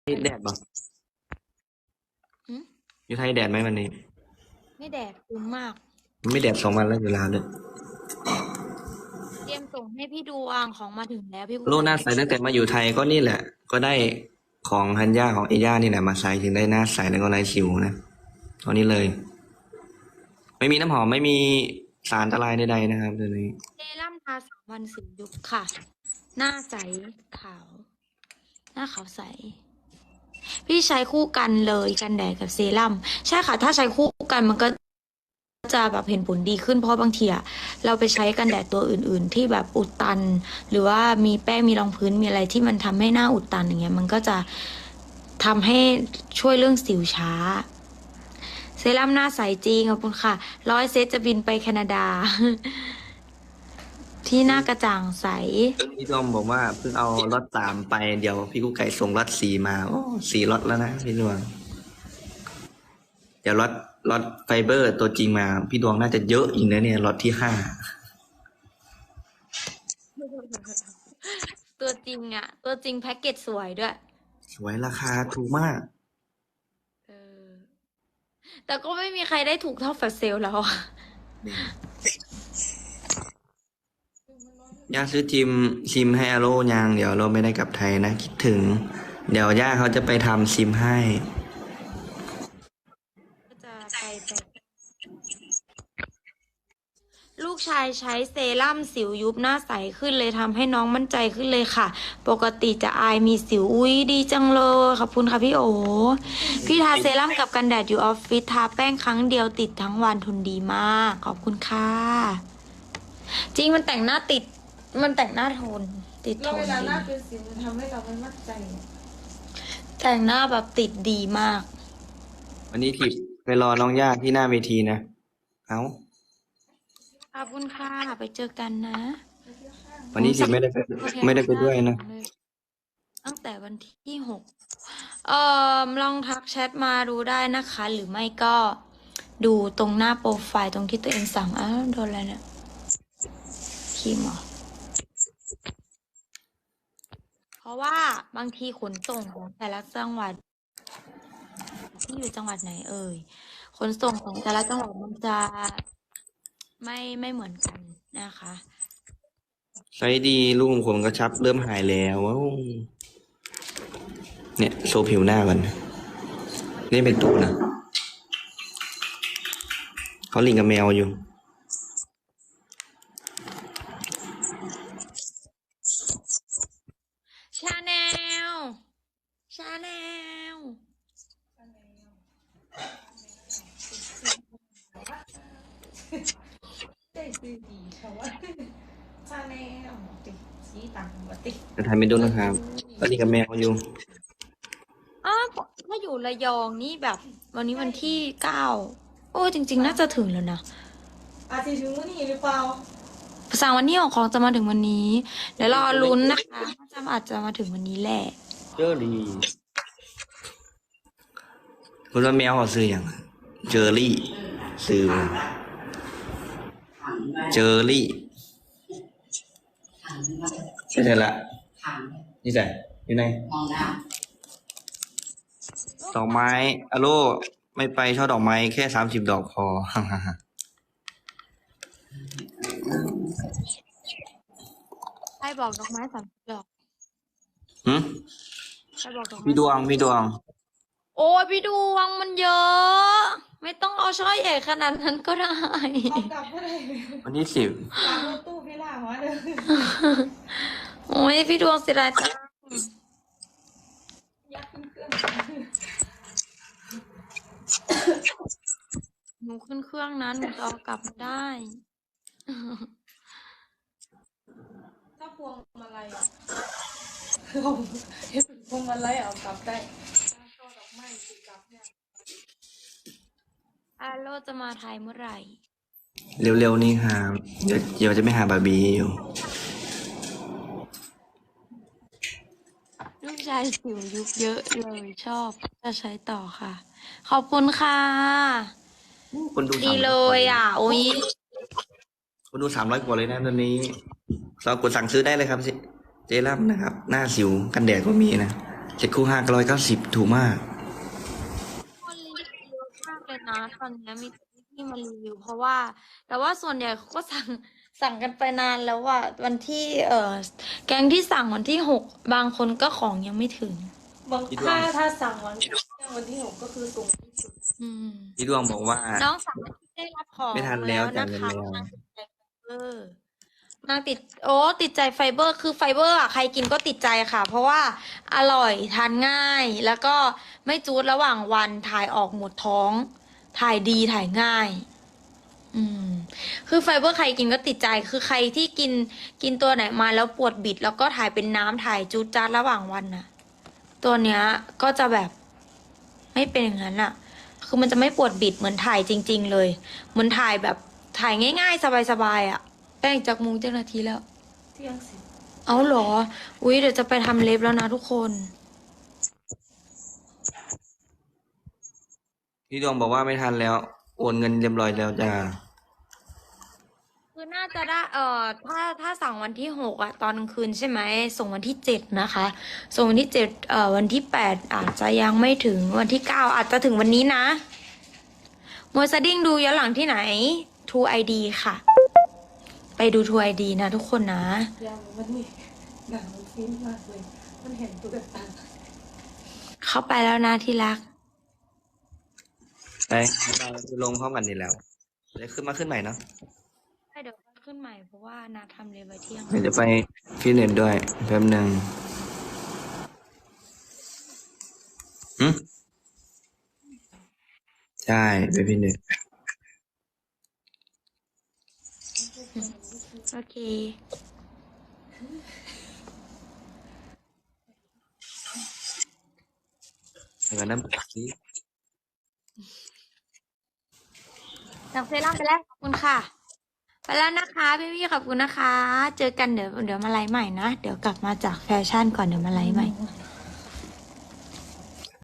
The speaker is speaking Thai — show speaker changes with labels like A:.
A: แดดบ่
B: หืม
A: อยู่ไทยแดดไหมวันนี้
B: ไม่แดดคุ้มมาก
A: ไม่แดด2 วันแล้วอยู่ลาวเลย
B: เตรียมส่งให้พี่ดวงของมาถึงแล้วพี่กุ๊
A: โล
B: กไก่
A: หน้าใสตั้งแต่มาอยู่ไทยก็นี่แหละ ก็ได้ของฮันย่าของเอย่านี่แหละมาใส่ถึงได้หน้าใสแล้วก็ไร้สิวนะตอนนี้เลย ไม่มีน้ำหอมไม่มีสารอันตรายใดๆนะครับตัวนี้
B: เซรั่มทา3 วันสิวยุบค่ะ หน้าใสขาว หน้าขาวใส พี่ใช้คู่กันเลยกันแดดกับเซรั่มใช่ค่ะ ถ้าใช้คู่กันมันก็จะแบบเห็นผลดีขึ้นเพราะบางทีอะเราไปใช้กันแดดตัวอื่นๆ ที่แบบอุดตัน หรือว่ามีแป้งมีรองพื้นมีอะไรที่มันทำให้หน้าอุดตันอย่างเงี้ยมันก็จะทำให้ช่วยเรื่องสิวช้า เซรั่มหน้าใสจริงขอบคุณค่ะ100 เซตจะบินไปแคนาดา ที่หน้ากระจ่างใส
A: พี่ดอมบอกว่าเพิ่งเอาล็อต3ไปเดี๋ยวพี่กุ๊กไก่ส่งล็อต4มาโอ้4 ล็อตแล้วนะพี่ดวงเดี๋ยวล็อตไฟเบอร์ตัวจริงมาพี่ดวงน่าจะเยอะอีกนะเนี่ยล็อตที่5
B: ตัวจริงอะตัวจริงแพ็กเกจสวยด้วย
A: สวยราคาถูกมาก
B: เออแต่ก็ไม่มีใครได้ถูกเท่าแฟลชเซลแล้วอะ
A: ย่าซื้อซิมให้อาโร่ยังเดี๋ยวเราไม่ได้กลับไทยนะคิดถึง เดี๋ยวย่าเขาจะไปทำซิมให้
B: ก็จะไปลูกชายใช้เซรั่มสิวยุบหน้าใสขึ้นเลยทำให้น้องมั่นใจขึ้นเลยค่ะ ปกติจะอายมีสิวอุ้ยดีจังเลยขอบคุณค่ะพี่โอพี่ทาเซรั่มกับกันแดดอยู่ออฟฟิศทาแป้งครั้งเดียวติดทั้งวันทนดีมากขอบคุณค่ะจริงมันแต่งหน้าติดมันแต่งหน้าทนติดท
C: แล้วเวน ลาห
B: ดี
C: น้าเป็นสิวมันทำให้เราไม่มั่นใจ
B: แต่งหน้าแบบติดดีมาก
A: วันนี้ทิพย์ไปรอน้องย่าที่หน้าเวทีนะเอา
B: ขอบคุณค่ะไปเจอกันนะ
A: วันนี้ทิพย์ไม่ได้ไปด้วยนะ
B: ตั้งแต่วันที่6ลองทักแชทมาดูได้นะคะ หรือไม่ก็ดูตรงหน้าโปรไฟล์ตรงที่ตัวเองสั่งอ้าวโดนอะไรเนี่ยครีมเหรอเพราะว่าบางทีขนส่งของแต่ละจังหวัดที่อยู่จังหวัดไหนเอ่ยขนส่งของแต่ละจังหวัดมันจะไม่เหมือนกันนะคะ
A: ใช้ดีลูกผมกระชับเริ่มหายแล้วว้าวเนี่ยโชว์ผิวหน้าก่อนนี่เป็นตูนะเขาลิงกับแมวอยู่
B: ชาแนลชาแนล
C: ได้ซื้อดีเขาว่าชาแนลติดสีต่างปกติ
A: จะทำเป็นดูนะครับเขาลิงกับแมวอยู่
B: อ้าวถ้าอยู่ระยองนี่แบบ วันนี้วันที่9โอ้จริงๆน่าจะถึงแล้วนะ
C: อาจจะถึงวันนี้หรือเปล่า
B: สั่งวันนี้ของจะมาถึงวันนี้ เดี๋ยวรอลุ้นนะคะอาจจะมาถึงวันนี้แหละ
A: เจอดีคุณว่าแมวเขาซื้ออย่างเจอรี่ซื้อเจอรี่ใช่ละนี่ใส่อยู่ไหนดอกไม้อะโลไม่ไปช่อดอกไม้แค่30 ดอกพอ
B: ใครบอกดอกไม้30 ดอก
A: หืม
B: ใครบอกดอกไม้
A: พี่ดวง
B: โอ้ยพี่ดวงมันเยอะ ไม่ต้องเอาช่อใหญ่ขนาดนั้นก็ได้
C: เอากลับเมื่อไหร่
A: วันที่10
C: หลังรถตู้พี่ล่าหัวเด้อ
B: โอ้ยพี่ดวงเสียดายจัง
C: ยักษ์ขึ้นเครื่อง
B: หนูขึ้นเครื่องนั้นหนูจะเอากลับมาได้
C: ถ้าพวงมาลัยอ่ะเราเห็นพวงมาลัยเอากลับได้ถ้าช่อดอกไม้ติดกลับเนี่ย
B: อาโลจะมาไทยเมื่อไหร่
A: เร็วๆนี่หาเดี๋ยวจะไม่หาบาร์บี้อยู่
B: ลูกชายสิวยุบเยอะเลยชอบจะใช้ต่อค่ะ ขอบคุณค่ะ
A: คนดู
B: ดีเลยอ่ะ โอ้ย
A: คนดู300 กว่าเลยนะตอนนี้เรากดสั่งซื้อได้เลยครับเจลัมนะครับ หน้าสิวกันแดดก็มีนะเจ็ดคู่590ถูกมาก
B: คนรีวิวเยอะมากเลยนะตอนนี้มีที่มารีวิวเพราะว่า แต่ว่าส่วนใหญ่เขาก็สั่งกันไปนานแล้วว่าวันที่แก๊งที่สั่งวันที่6บางคนก็ของยังไม่ถึง
C: บางถ้าสั่งวันที่ 6ก็คือส่งวันที่ 10
B: อืม
A: พี่ดวงบอกว่า
B: น้องสาวที่ได้รับของ
A: ไม่ทันแล้ว
B: นะ
A: จ่ายเงิน
B: คะ
A: แล้ว
B: นางติดใจไฟเบอร์นางติดใจไฟเบอร์คือไฟเบอร์อ่ะใครกินก็ติดใจค่ะ เพราะว่าอร่อยทานง่าย แล้วก็ไม่จูดระหว่างวันถ่ายออกหมดท้อง ถ่ายดีถ่ายง่าย อืม คือไฟเบอร์ใครกินก็ติดใจคือใครที่กินตัวไหนมาแล้วปวดบิด แล้วก็ถ่ายเป็นน้ำถ่ายจูดจ้าดระหว่างวันน่ะ ตัวเนี้ยก็จะแบบไม่เป็นอย่างนั้นอะคือมันจะไม่ปวดบิดเหมือนถ่ายจริง ๆ เลย เหมือนถ่ายแบบถ่ายง่ายๆ สบายๆอะแป้งจากมุงเจ้านาทีแล้ว
C: เที่ยงสิ
B: เอาเหรอ อุ๊ยเดี๋ยวจะไปทำเล็บแล้วนะทุกคน
A: พี่ดวงบอกว่าไม่ทันแล้ว โอนเงินเรียบร้อยแล้วจ้า
B: คือน่าจะได้ถ้าสั่งวันที่6อะตอนกลางคืนใช่ไหมส่งวันที่7นะคะ ส่งวันที่7วันที่8อาจจะยังไม่ถึงวันที่9อาจจะถึงวันนี้นะมวยสดิ้งดูย้อนหลังที่ไหน True ID ค่ะ ไปดู True ID นะทุกคนนะ
C: ยังมันนี่หนังมันฟินมากเลย มันเห็นตัวตา
B: เข้าไปแล้วนะที่รัก
A: ไปเราลงพร้อมกันนี่แล้วเดี๋ยวขึ้นใหม่เนาะ
B: เดี๋ยวขึ้นใหม่เพราะว่านาทำเลยไว้เที่ยง
A: เดี๋ยวไปฟิตเนสด้วยแป๊บหนึ่งใช่ไปฟิตเนส
B: โอเค
A: ไปกันน้ำแข็งสิ
B: จากเซรั่มไปแล้วขอบคุณค่ะ ไปแล้วนะคะพี่ๆขอบคุณนะคะ เจอกันเดี๋ยวมาไลฟ์ใหม่นะ เดี๋ยวกลับมาจากแฟชั่นก่อนเดี๋ยวมาไลฟ์ใหม่
C: เ